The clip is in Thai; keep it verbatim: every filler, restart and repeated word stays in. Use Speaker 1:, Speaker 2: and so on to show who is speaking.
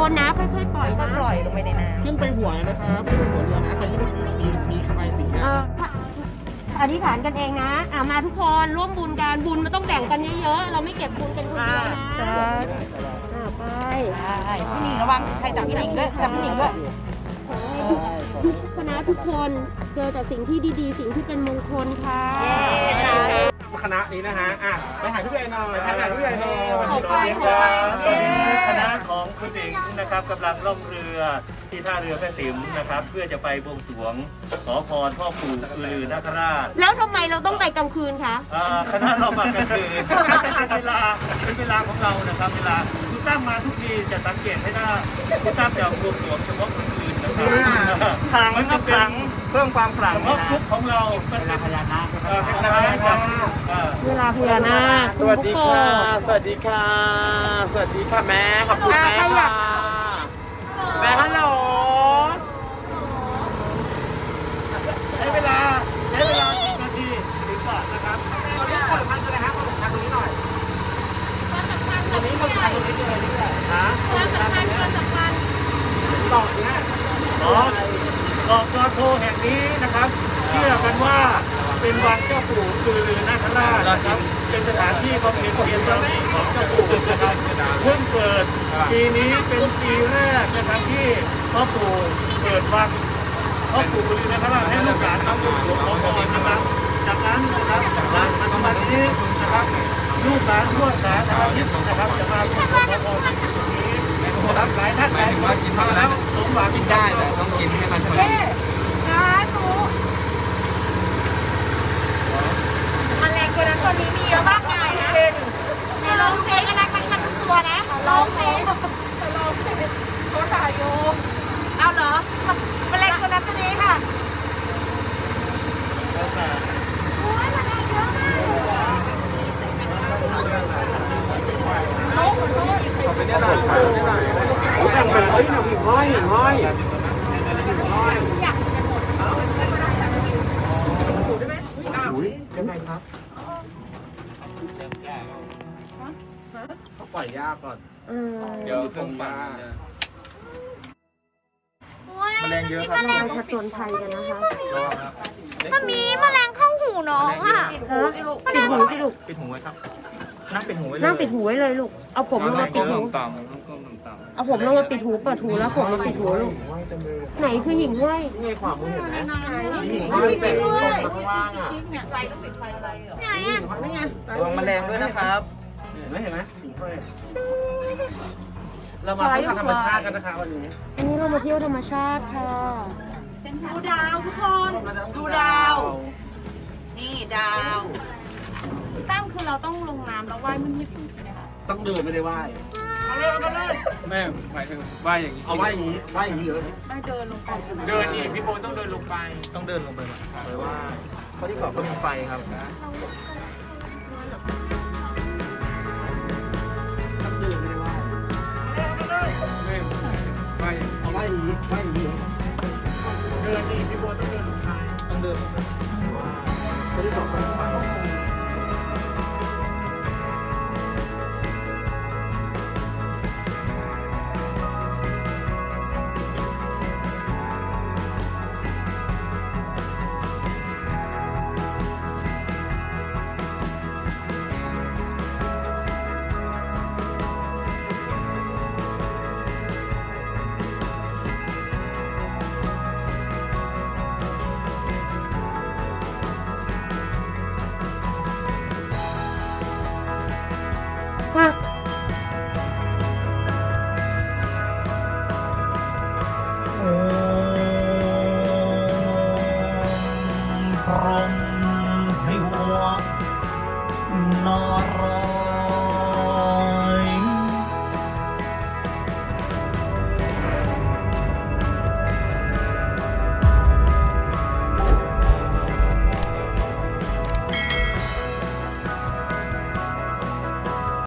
Speaker 1: คนนะค่อยๆปล่อยนะปล่อยลงไปในน้ำ
Speaker 2: ขึ้นไปหัวนะครับขึ้นไปหัวเรือนะใครที่เป็นมีมีใบสี
Speaker 1: เอออธิษฐานกันเองนะอ่ามาทุกคนร่วมบุญกันบุญมันต้องแบ่งกันเยอะๆเราไม่เก็บบุญกันคนเดียวนะอ่าไปพี่หนิงระวังใครจับพี่หนิงด้วยจับพี่หนิงด้วยทุกคณะทุกคนเจอแต่สิ่งที่ดีๆสิ่งที่เป็นมงคลค่ะ
Speaker 2: คณะนี้นะฮะอ่ะไปหาพี่ใหญ่หน่อยไปหาพี่ใหญ่หน่อย
Speaker 1: ขอบคุณค่ะ
Speaker 3: คณะของคุณหญิงนะครับกำลังล่องเรือที่ท่าเรือแม่ติ๋มนะครับเพื่อจะไปบวงสรวงขอพรพ่อปู่อือลือนาคราช
Speaker 1: แล้วทำไมเราต้องไปกลางคืนคะ
Speaker 3: คณะเรามากลางคืนเป็นเวลาเป็นเวลาของเรานะครับเวลาคุณตั้มมาทุกทีจะสังเกตให้ได้คุณตั้มจะบวงสรวงเฉพาะกลางคืนนะครับ
Speaker 2: ครั้งมันจะเป็นเพิ่มความขลัง
Speaker 3: เฉพาะทุกของเราเป็นพญานาค
Speaker 1: เวลาพญานาค
Speaker 2: สวัสดีค่ะสวัสดีค่ะสวัสดีค่ะแม่ขอบคุณแม่ค่ะแม่ฮัลโหลใช้เวลาใช้เวลาสิบนาทีถึงก่อนนะครับตอนนี้คนพันกันเลยฮะคนพันตรงนี้หน่อยตรงนี้คนพันตรงนี้เลยนี่แหละฮะคนสำคัญคนสำคัญต่อเนี่ย
Speaker 3: อ๋อเกาะกอโทแห่งนี้นะครับเชื่อกันว่าเป็นวังเจ้าปู่อือลือนาคราชนะครับเป็นสถานที่บำเพ็ญเพียรบารมีของเจ้าปู่นะครับเพิ่งเปิดปีนี้เป็นปีแรกนะครับที่พ่อปู่เปิดวังพ่อปู่อือลือนาคราชให้ลูกหลานมาบวงสรวงขอพรนะครับจากนั้นนะครับหลังจากวันนี้นะครับลูกหลานทั่วสารทิศนะครับจะมาบวงสรวงขอพรที่ตรงนี้นะครับหลายท่านหลายคนกินมาแล้วสมหวังกินได้แต่ต้องกินให้มันสม่ำเสมอ
Speaker 1: แมลงตัวนั้นตัวนี้มีเยอะมากมายนะในร้องเพลงอะไรมันมันทุกตัวนะร้องเพลงร้องเพลงเขาถ่ายอยู่เอาเหรอแมลงตัวนั้นตัวนี้ค่ะโอ้ยแมลงเยอะมากโน้ตโน้ต
Speaker 2: ขอไปเนี่ยหน่อยขอไปเนี่ยหน่อยโอ้ยแบบเฮ้ยหนูหิ่งห้อยหิ่งห้อยหิ่งห้อย
Speaker 1: อยากจะหมด
Speaker 2: อุ้ยยังไงครับเขาปล่อยยากก่อนเดี๋ยวเพิ่งมาแมลงเยอะครับเราผจญภัยกันนะคะ
Speaker 1: มันมีแมลงเข้าหูน้องอ่ะปิดหูสิลูก
Speaker 3: ปิดหูไว้ครับนั่งปิดหูไว้เลย
Speaker 1: นั่งปิดหูไว้เลยลูกเอาผมลงมาปิดหูเอาผมลงมาปิดหูเปิดหูแล้วผมมาปิดหูลูกไหนคือหญิงห้วย
Speaker 2: นี่ขวามือเห็นไหม
Speaker 1: หญิงห้วยเป็นห้วย
Speaker 2: ข้างล่างอ่ะ
Speaker 1: ไฟต้องปิดไฟอะไรไหนอ่ะ
Speaker 2: นี่ไงระวังแมลงด้วยนะครับเห็นไหมเห็นไหมหญิงห้วยเรามาเที่ยวธรรมชาติกันนะคะวันนี้
Speaker 1: วันนี้เรามาเที่ยวธรรมชาติค่ะดูดาวทุกคนดูดาวนี่ดาวตั้งคือเราต้องลงน้ำแล้วว่ายมันไม่ถึงใช่ไหมคะ
Speaker 2: ต้องเดินไม่ได้ว่าย
Speaker 3: มาเลยมาเลย
Speaker 2: แม่หมายถึงว่ายอย่างนี้เอาว่ายอย่างนี้ว่ายอย่างนี้เลย
Speaker 1: ไม่เดินลงไป
Speaker 2: เดินนี่พี่โบต้องเดินลงไป
Speaker 3: ต้องเดินลงไปไปว่าเพราะที่เกาะก็มีไฟครับ
Speaker 2: ต้องเดินไม่ได้ว่ายแม่ว่ายเอาว่ายอย่างนี้ว่ายอย่างนี้เดินนี่พี่โบต้องเดินลงไปต้องเดินลงไปเพราะที่เกาะก็มีไฟ
Speaker 3: พรหมสิวนาร